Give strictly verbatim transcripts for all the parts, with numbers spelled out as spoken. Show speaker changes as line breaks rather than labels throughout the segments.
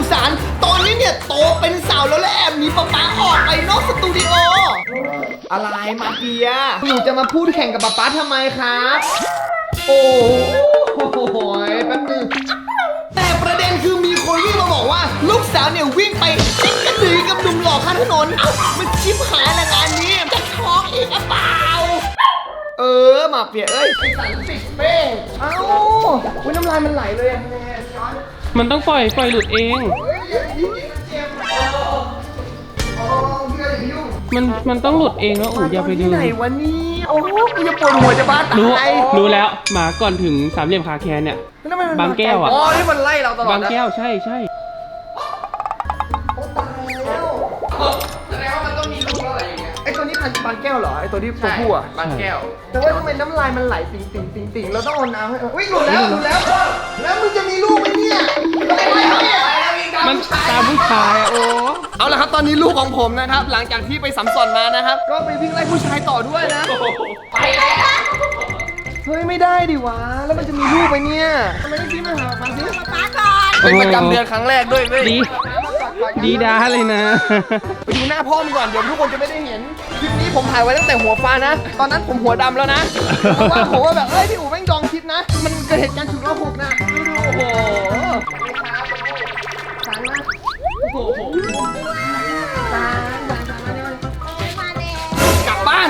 สารตอนนี้เนี่ยโตเป็นสาวแล้วและแอบหนีป๊าป๊าออกไปนอกสตูดิโออะไรมาเฟียหนูจะมาพูดแข่งกับป๊าป๊าทำไมครับโอ้โหแป๊บนึงแต่ประเด็นคือมีคนวิ่งมาบอกว่าลูกสาวเนี่ยวิ่งไปจิ๊กกระดือกับหนุ่มหล่อข้างถนนเอ้ามันชิบหายละงานนี้จะท้องอีกหรือเปล่าเออมาเฟียเอ้ยไอ้สันติดเป้งเอ้าอุ้ยน้ำลายมันไหลเลยอะช้อน
มันต้องปล่อยปล่อยหลุดเอง
เฮ้ยอย่าไปยุ่งมันเจ็บโอ้พี่ก็อย่าไปยุ่ง
มันมันต้องหลุดเองแล้วอู๋อย่าไปดึ
ที่
ง
ไหนวะนี่โอ้โหกูจะปวดหัวจะบ้าตาย
รู้รู้แล้วหมาก่อนถึงสามเหลี่ยมคาแคนเนี่ย
แล้วทำไมมัน
บางแก้วอะ
อ๋อที่มันไล่เราตลอด
บางแก้วใช่ใช่
โอ้ตายแล้วแสดงว่ามันต้องมีลูกอะไรอย่างเงี้ยไอตัวนี้พันธุ์บางแก้วเหรอไอตัวที่ตัวผู้อะ
บางแก้ว
แต่ว่าทำไมน้ำลายมันไหลติ่งติ่งติ่งติ่งเราต้องเอาน้ำให้อุ้ยหลุดแล้วหลุดแล้วแล้วมึงจะมีลูกไหมเนี่ยอะไรวะเนี่ย
มันตามผู้ชายอะโอ้
เอาละครับตอนนี้ลูกของผมนะครับหลังจากที่ไปสัมสอนมานะครับก็ไปวิ่งไล่ผู้ชายต่อด้วยนะไปแล้วเฮ้ยไม่ได้ดิวะแล้วมันจะมีลูกไหมเนี่ยทำไมไม่พี่มาหาฟังสิ
ป๊าก่อน
เป็นประจำเดือนครั้งแรกด้วยเว้ย
ดีดีด้าเลยนะ
ไปดูหน้าพ่อมันก่อนเดี๋ยวทุกคนจะไม่ได้เห็นคลิปนี้ผมถ่ายไว้ตั้งแต่หัวฟ้านะตอนนั้นผมหัวดำแล้วนะเพราะว่าผมว่าแบบเอ้ยพี่อู๋แม่งดองคิดนะมันเกิดเหตุการณ์ฉุกละหุกนะดูดูโอ้โหสารนะโอ้โหสารสารสารมาเนี่ย
มาแล้ว
กลับบ้าน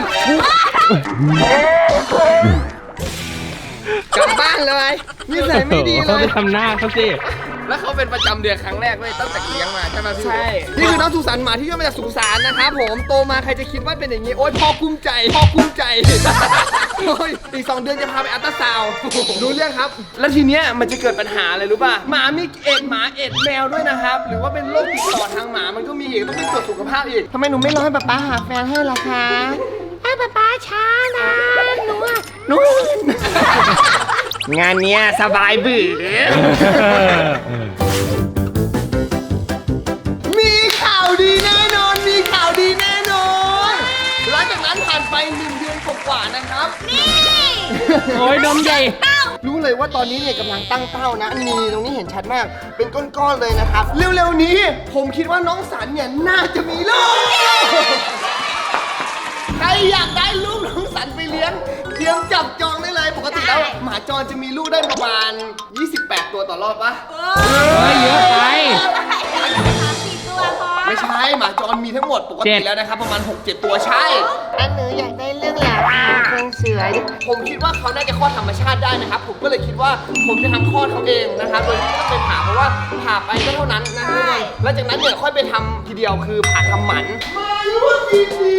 กลับบ้านเลยนิสัยไม่ดีเล
เขา
ย
ไปทำหน้าเขาสิ
แล้วเขาเป็นประจำเดือนครั้งแรกเว้ยตั้งแต่เลี้ยงมาใช่ไหมพี่
ใช่ นี่คือน้องสุสานหมาที่ย่อมาจากสุสานนะครับผมโตมาใครจะคิดว่าเป็นอย่างนี้โอ๊ยพ่อกุ้มใจพ่อกุ้มใจโอ้ยอีกสองเดือนจะพาไปอัลตราซาวด์รู้เรื่องครับ แล้วทีเนี้ยมันจะเกิดปัญหาอะไรรู้ป่ะหมามีเอ็ดหมาเอ็ดแมวด้วยนะครับหรือว่าเป็นโรคติดต่อทางหมามันก็มีอีกต้องไปตรวจสุขภาพอีกทำไมหนูไม่รอให้ป๊าป๊าหาแฟนให้ล่ะคะให้ป๊าป๊าช้านะหนูอะหนูงานเนี้ยสบายบื้อมีข่าวดีแน่นอน มีข่าวดีแน่นอน หลังจากนั้นผ่านไปหนึ่งเดือนกว่าๆนะครับ
นี่
โอ้ยนมใหญ่
รู้เลยว่าตอนนี้เนี่ยกำลังตั้งเป้านะนี่ตรงนี้เห็นชัดมาก เป็นก้อนๆเลยนะครับ เร็วๆนี้ผมคิดว่าน้องสันเนี่ยน่าจะมีลูก ใครอยากได้ลูกน้องสันไปเลี้ยงเตรียมจับจองได้เลย ปกติแล้วหมาจรจะมีลูกได้ประมาณยี่สิบแปดตัวต่อรอบปะ
เฮ้ยเยอะไป
สามสี่ตัวพอ
ไม่ใช่หมาจรมีทั้งหมดปก
เจ็
ติ
ด
แล้วนะครับประมาณ หกเจ็ด ตัวใช่
อันหนูอยากได้เรื่องหลานเครื่องเสือ
ผมคิดว่าเขาน่าจะคลอดธรรมชาติได้นะครับ ผมก็เลยคิดว่าผมจะทำคลอดเขาเองนะครับ โดยที่ไม่ต้องไปผ่าเพราะว่าผ่าไปก็เท่านั้นนะทุกคนแล้วจากนั้นเนี่ยค่อยไปทำทีเดียวคือผ่าทำหมันมาร่วมยินดี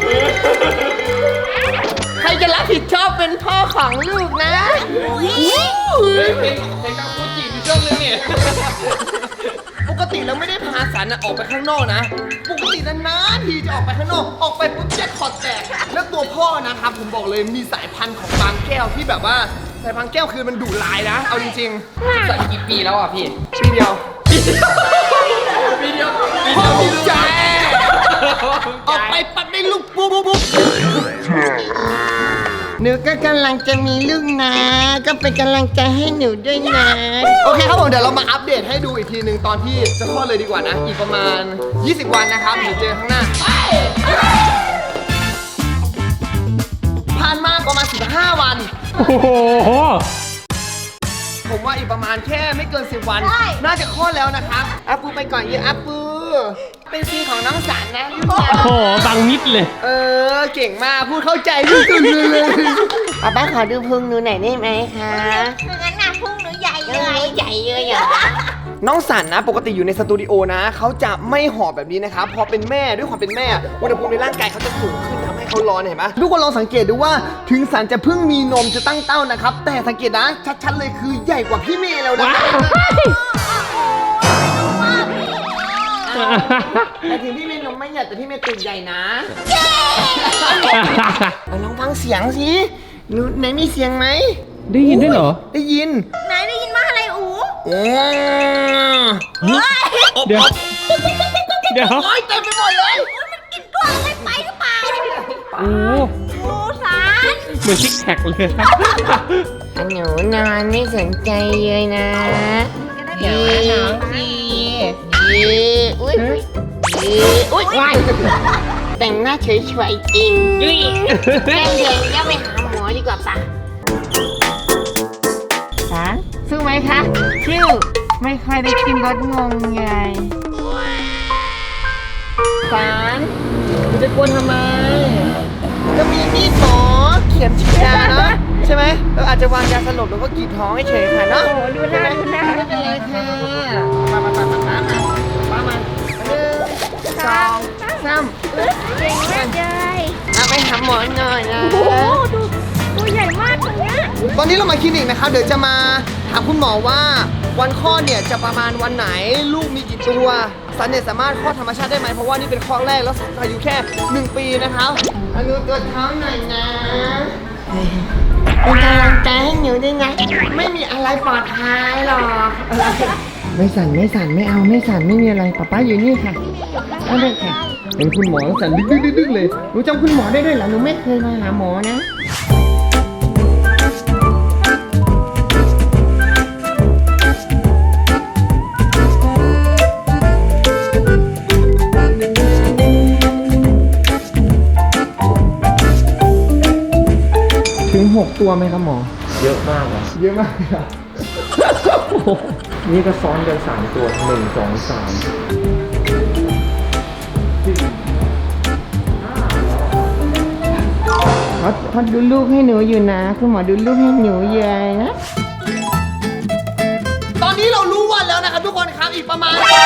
ใครจะรับผิดชอบเป็นพ่อของลูกนะ
เพลงเพลงกังฟูจิมีช่วงนึงเนี่ย
ปกติเราไม่ได้พาสันน่ะออกไปข้างนอกนะ ปกตินานๆทีจะออกไปข้างนอก ออกไปปุ๊บแจ็คพอตแตก แล้วตัวพ่อนะครับผมบอกเลยมีสายพันธุ์ของบางแก้วที่แบบว่าสายพันธุ์แก้วคือมันดุร้ายนะ เอาจริง
สักกี่ปีแล้วอ่ะพี่
ๆปีเดียว
ปีเดียว
พ่อภูมิใจ ออกไปปัดได้ลูกปุ๊บปุ๊บปุ๊บหนูก็กำลังจะมีลูกนะ ก็เป็นกำลังใจให้หนูด้วยนะ โอเคครับผมเดี๋ยวเรามาอัปเดตให้ดูอีกทีหนึ่งตอนที่จะคลอดเลยดีกว่านะ อีกประมาณ ยี่สิบ วันนะครับเดี๋ยวเจอข้างหน้า ผ่านมาประมาณ สิบห้า วัน
โอ้โห
ผมว่าอีกประมาณแค่ไม่เกิน สิบ วัน น่าจะคลอดแล้วนะครับอาปูไปก่อนเยอะอาปูเป็นซีของน้องสันนะ
โอ้โหบังมิดเลย
เออเก่งมากพูดเข้าใจที่สุดเลย
ป๊าป๊าขอดูพุงหนูหน่อยได้ไหมคะงั้นน่ะพุงหนูใหญ่เลยใหญ่เลยอ่ะ
น้องสันนะปกติอยู่ในสตูดิโอนะเขาจะไม่หอบแบบนี้นะครับพอเป็นแม่ด้วยความเป็นแม่อุณหภูมิในร่างกายเขาจะสูงขึ้นทำให้เขาร้อนเห็นไหมทุกคนลองสังเกตดูว่าถึงสันจะเพิ่งมีนมจะตั้งเต้านะครับแต่สังเกตนะชัดๆเลยคือใหญ่กว่าพี่เมย์แล้วนะแต่ถึงพี่เมย์นมไม่ใหญ่แต่พี่เมย์ตูดใหญ่นะเอาลองฟังเสียงสิหนูไหนมีเสียงไหม
ได้ยินด้วยเหรอ
ได้ยิน
ไหนได้ยินว่าอะไรอู
โอ้
เดี๋ยว เดี๋ยว
โอ้ยเต็มไปหมดเลย
มันกินกล้วยอะไรไปหรือเปล่า
โอ้
อูสาร
เหมือนซิกแพคเลย
หนูนอนไม่สนใจเลยนะ
เดี๋ยวนะน้องพี่
ดีอุ้ยว้ายแต่งหน้าเฉยๆจริงแก้มแดงก็ไปหาหมอดีกว่าปะสารสู้ไหมคะชิวไม่ค่อยได้กินรสงงไงสารคุณจะกวนทำไมก็มีมีดหมอเขียนฉีดยาเนาะใช่ไหมเราอาจจะวางยาสลบหรือว่ากรีดท้องให้เฉยค่ะเนาะโอ้ดูหน้าดูหน้าไม่เป็นไรค่ะมามามามามามามามาหนึ่งสองสามเก่งมากเลยเอาไปหาหมอหน่อยนะโอ้โหดูตัวใหญ่มากตรงเนี้ย
ตอนนี้เรามาคลินิกนะครับเดี๋ยวจะมาถามคุณหมอว่าวันคลอดเนี่ยจะประมาณวันไหนลูกมีกี่ตัวสันเนี่ยสามารถคลอดธรรมชาติได้ไหมเพราะว่านี่เป็นคลอดแรกแล้วสันอายุแค่หนึ่งปีนะครับอนุตัวจท้องหน่อยนะเป็นกำลังใจให้หนูด้วยนะไม่มีอะไรปลอดภัยหรอกไม่สั่นไม่สั่นไม่เอาไม่สั่นไม่มีอะไรป๊าป๊าอยู่นี่ค่ะเอาเลยค่ะเป็นคุณหมอสั่นดึกดึกดึกเลยหนูจำคุณหมอได้ด้วยเหรอหนูไม่เคยมาหาหมอนะถึงหกตัวไหมครับหมอเยอะมากอ่ะเยอะมากครับ
นี่ก็ซ้อนกันสามตัวหนึ่งสองสาม
เขาเขาดูลูกให้หนูอยู่นะคุณหมอดูลูกให้หนูเยอะนะตอนนี้เรารู้วันแล้วนะครับทุกคนครับอีกประมาณอ่ะ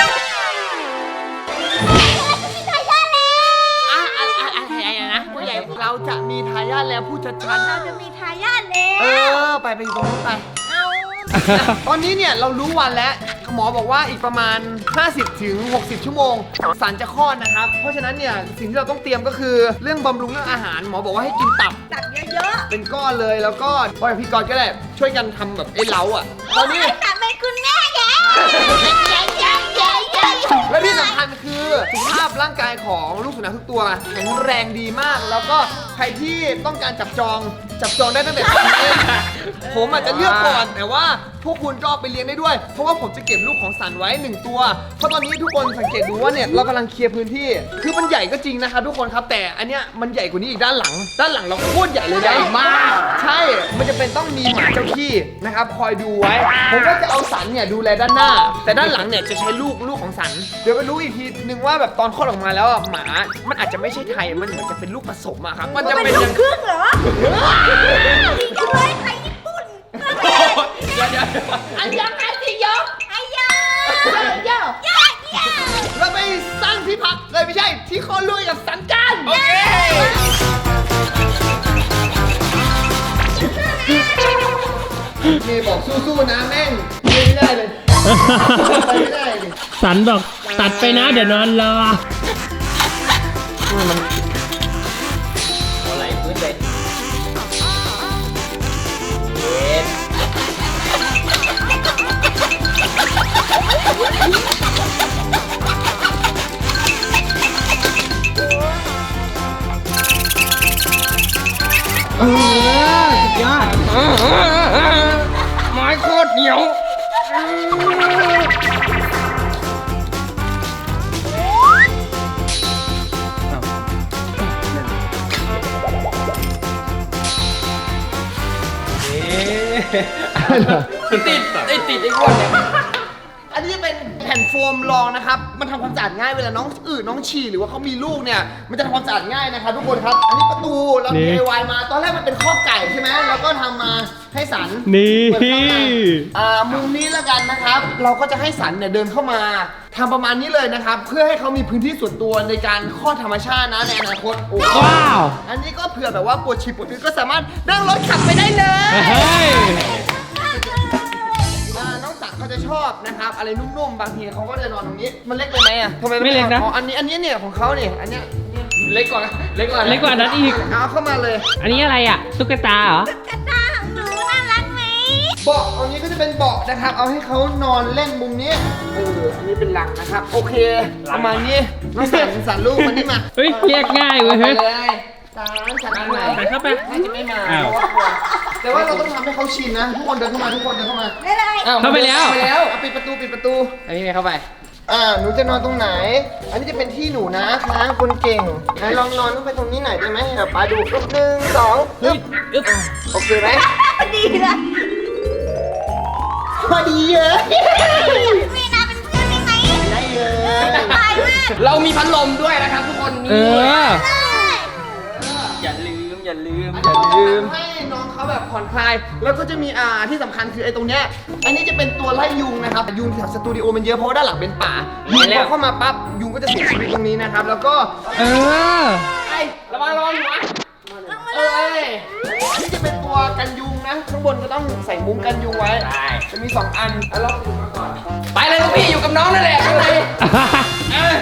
อะไรอะไรนะผู้ใหญ่เราจะมีทายาทแล้วผู้จัดการ
เราจะมีทายาทแล้ว
เออไปไปอยู่ตรงนู้นไปตอนนี้เนี่ยเรารู้วันแล้วหมอบอกว่าอีกประมาณ ห้าสิบถึงหกสิบ ชั่วโมงสันจะคลอดนะครับเพราะฉะนั้นเนี่ยสิ่งที่เราต้องเตรียมก็คือเรื่องบำรุงเรื่องอาหารหมอบอกว่าให้กินตับ
ตักเยอะ
เป็นก้อนเลยแล้วก็พ่อกับพี่กรณ์ก็ได้ช่วยกันทำแบบไอ้เล้าอ่ะตอนนี้
ๆตักเป็นคุณแม่แกใหญ่ใหญ่ใหญ่ใหญ่
และที่สำคัญคือสุขภาพร่างกายของลูกสุนัขทุกตัวแข็งแรงดีมาก แล้วก็ใครที่ต้องการจับจองจับจองได้ตั้งแต่ตอนนี้ผมอาจจะเลือกก่อนแต่ว่าพวกคุณก็เอาไปเลี้ยงได้ด้วย เพราะว่าผมจะเก็บลูกของสันไว้หนึ่งตัวเพราะตอนนี้ทุกคนสังเกตดูว่าเนี่ยเรากำลังเคลียร์พื้นที่คือมันใหญ่ก็จริงนะครับทุกคนครับแต่อันเนี้ยมันใหญ่กว่านี้อีกด้านหลัง ด้านหลังเราโคตรใหญ่เลยใหญ่มากใช่มันจะเป็นต้องมีหมาเจ้าที่นะครับคอยดูไว้ ผมก็จะเอาสันเนี่ยดูแลด้านหน้า แต่ด้านหลังเนี่ยจะใช้ลูกลูกของสันเดี๋ยวไปรู้อีกทีนึงว่าแบบตอนคลอดออกมาแล้วอะหมามันอาจจะไม่ใช่ไทยมันเหมือนจะเป็นลูกผสมอะครับมันจะเป็น
ลูกครึ่งเหรอดีจังเลยไทยญี่ปุ่น
เดี๋ยวเดี๋ยว
อันยังไงสิยกไอ้ยาเยอะเยอะเยอะ
เราไปสร้างที่พักเลยไม่ใช่ที่คลอดลูกกับสันกันโอเคนี่บอกสู้ๆนะแม่งไม่ได้เลยไปไม่ได้เลย
สันบอกตัดไปนะเดี๋ยวนอนรอ
อะไรพื้นเลย
เออสุดยอดไม้โคตรเหนียว
ติดไอ้ติดไอ้อ้วนเนี่ย
อันนี้จะเป็นแผ่นโฟมรองนะครับ มันทำความสะอาดง่ายเวลาน้องอืดน้องฉี่หรือว่าเขามีลูกเนี่ย มันจะทำความสะอาดง่ายนะครับทุกคนครับ อันนี้ประตูเรา
นี่
ดี ไอ วาย มา ตอนแรกมันเป็นข้อไก่ใช่ไหมเราก็ทำมาให้สัน
นี่
เปิดเข้ามาอ่ามุมนี้แล้วกันนะครับ เราก็จะให้สันเนี่ยเดินเข้ามาทำประมาณนี้เลยนะครับ เพื่อให้เขามีพื้นที่ส่วนตัวในการคลอดธรรมชาตินะในอนาคตโอ้
ว้าว
อันนี้ก็เผื่อแบบว่าปวดฉี่ปวดอืดก็สามารถนั่งรถขับไปได้เลย
เฮ้ย
อ่าน้องสักเขาจะชอบนะครับอะไรนุ่มๆบางทีเขาก็จะนอนตรงนี้มันเล็กไปไหมอ่ะทำไม
ไม่เล็กนะ
อ๋ออันนี้อันนี้เนี่ยของเขาเนี่ยอันเนี้ย
เล็กกว่าเล็กกว่า
เล็กกว่านั้นอีก
เอาเข้ามาเลย
อันนี้อะไรอ่ะตุ๊กตาเหรอ
กระตาของหนูน่ารักไหม
เบาะอันนี้ก็จะเป็นเบาะนะครับเอาให้เขานอนเล่นมุมนี้เอออันนี้เป็นหลังนะครับโอเคประมาณนี้น้องสันสันลูกมันนี่มา
เฮ้ยเรียกง่ายเว้ย
ไป
เฮ้ย
เลยสันสันอันไหน
ใส่เข้าไป
น่าจะไม่มา
อ้าว
เพราะว่ากลัวแต่ว่าเราต้องทำให้เขาชินนะทุกคนเดินเข้ามาทุกคนเดินเข้ามา
ได้เลย
เข้าไปแล้ว
เข้าไปแล้วเอาปิดประตูปิดประตู
อันนี้ไม่เข้าไป
อ่าหนูจะนอนตรงไหน อันนี้จะเป็นที่หนูนะคะคนเก่งไหนลองนอนลงไปตรงนี้หน่อยได้ไหมเดี๋ยวป้าดูหนึ่งสอง
เฮ้ยอึ๊บ
โอเคไหม
ดีเลย
พอดีเลย
มีนาเป็นเพื่อนได้ไหม
ได้เลย
สบายมาก
เรามีพัดลมด้วยนะครับทุกคน
เอ
นี่
อ
อย่าลืมอย่าลืม
อย่าลืมให้น้องเขาแบบผ่อนคลาย แล้วก็จะมีอ่าที่สำคัญคือไอ้ตรงเนี้ย อันนี้จะเป็นตัวไล่ยุงนะครับ ยุงแถวสตูดิโอมันเยอะเพราะว่าด้านหลังเป็นป่า ยุงพอเข้ามาปั๊บยุงก็จะเสียชีวิตตรงนี้นะครับ แล้วก็
เออ
ไอ้ระวังระวังหัวเอ้ยอันนี้จะเป็นตัวกันยุงนะ ข้างบนก็ต้องใส่มุ้งกันยุงไว้
ได้
จะมีสองอันอ่ะลองดูมาก่อน
ไปเลยลูกพี่อยู่กับน้องนั่นแหละข้างในเอ้ย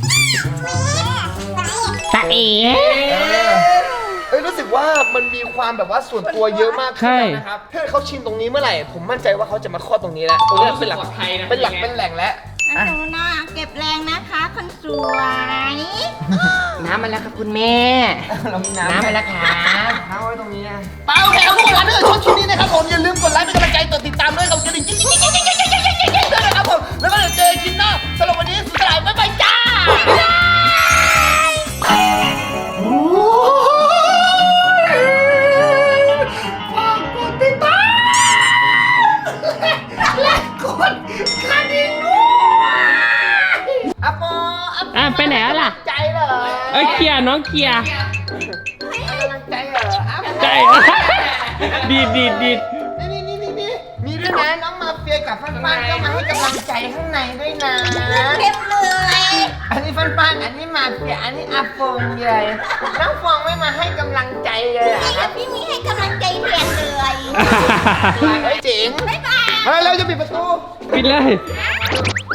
ตาเอ๋
เอ้ยรู้สึกว่ามันมีความแบบว่าส่วนตัวเยอะมากขึ้นแล้วนะครับถ้าเขาชินตรงนี้เมื่อไหร่ ผมมั่นใจว่าเขาจะมาคลอดตรงนี้แล้วตรงนี้เป็นหลักเป็นหลักเป็นแหล่งแล้ว
หนูนะเก็บแรงนะคะคนสวย
น้ำมาแล้วครับคุณแม่
เรามีน้ำ
น้ำมาแล้วครับ
น้ำไว้ตรงนี้นะเปล่าแถวทุกคนนะชอบคลิปนี้นะครับผมอย่าลืมกดไลค์เป็นกำลังใจกดติดตามด้วยกับกระดิ่งกิ๊งกิ๊งกิ๊งกิ๊งกิ๊งกิ๊งกิ๊งกิ๊งด้วยนะครับผมแล้วก็เดี๋ยวเจอกันคลิปหน้าสำหรับวันนี้สุดท้ายบ๊ายบายจ้าฝากกดติดตามและกดกระดิ่งด้วยอะโปอะโป
อ่ะไปไหนแล้วล่ะ
ใจเหรอ
เอ้ยเกียร์น้องเกียร์
ให้กำลังใจเหรออ่ะ
ใจ ดีดดีดดีด
นี่นี่นี่นี่มีด้วยนะน้องมาเฟียกับฟันฟันก็มาให้กำลังใจข้างในด้วยนะ
เต็มเลย
อันนี้ฟันฟันอันนี้มาเฟียอันนี้อาฟงเลยน้องฟองไม่มาให้กำลังใจเลยเหรอ
นี่
ครับ
พี่มีให้กำลังใจแทนเลย
เฮ้ยเจ๋ง
บ๊ายบาย
มาแล้วจะปิดประตู
ปิดเลย